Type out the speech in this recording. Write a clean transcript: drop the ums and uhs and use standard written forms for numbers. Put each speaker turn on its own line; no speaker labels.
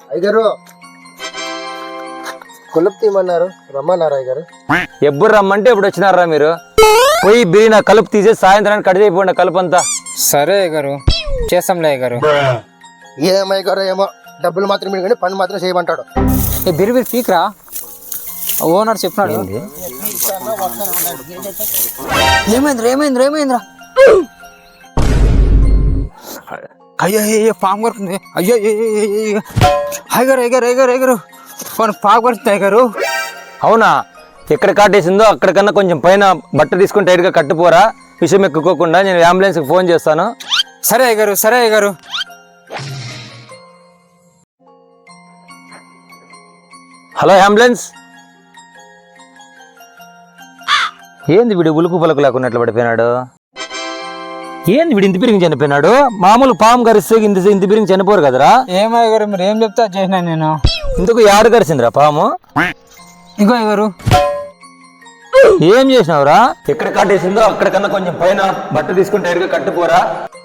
అయ్యగారు కొలుపు తీయమన్నారు, రమ్మన్నారు అయ్యగారు.
ఎప్పుడు రమ్మంటే ఎప్పుడు వచ్చినారా మీరు? పోయి బిరి నా కలుపు తీసేసి సాయంత్రానికి కట్ చేయకపోండి కలుపు అంతా.
సరే అయ్యగారు, చేస్తాంలే అయ్యగారు.
ఏమయ్యగారు ఏమో, డబ్బులు మాత్రం మీరు కానీ పని మాత్రం చేయమంటాడు.
బిరి బిరి పీక్రా, ఓనర్ చెప్పినాడు. ఏమైందిరా అయ్యో అయ్యో పాము కొడుతుంది. అయ్యో అయ్యగారు పాము కొడుతుంది అయ్యగారు.
అవునా? ఎక్కడ కాటేసిందో అక్కడికన్నా కొంచెం పైన బట్ట తీసుకుని టైట్గా కట్టుపోరా, విషయం ఎక్కుకోకుండా. నేను అంబులెన్స్కి ఫోన్ చేస్తాను.
సరే అయ్యగారు.
Hello ambulance. ఏంది వీడు ఉలుకు పలుకు లేకున్నట్లు పడిపోయినాడు? ఏంది వీడు ఇంత పిరిగి చనిపోయినాడు? మామూలు పాము కరిస్తే ఇంత పిరిగి చనిపోరు కదరా?
ఏమయ్యగారు మీరు ఏం చెప్తా చేసినా నేను.
ఇంతకు యారు కరిసిందిరా పాము?
ఇగో అయ్యగారు.
ఏం చేసినావురా? ఎక్కడ కాటేసిందో అక్కడికన్నా కొంచెం పైన బట్ట తీసుకుని టైట్గా కట్టుపోరా.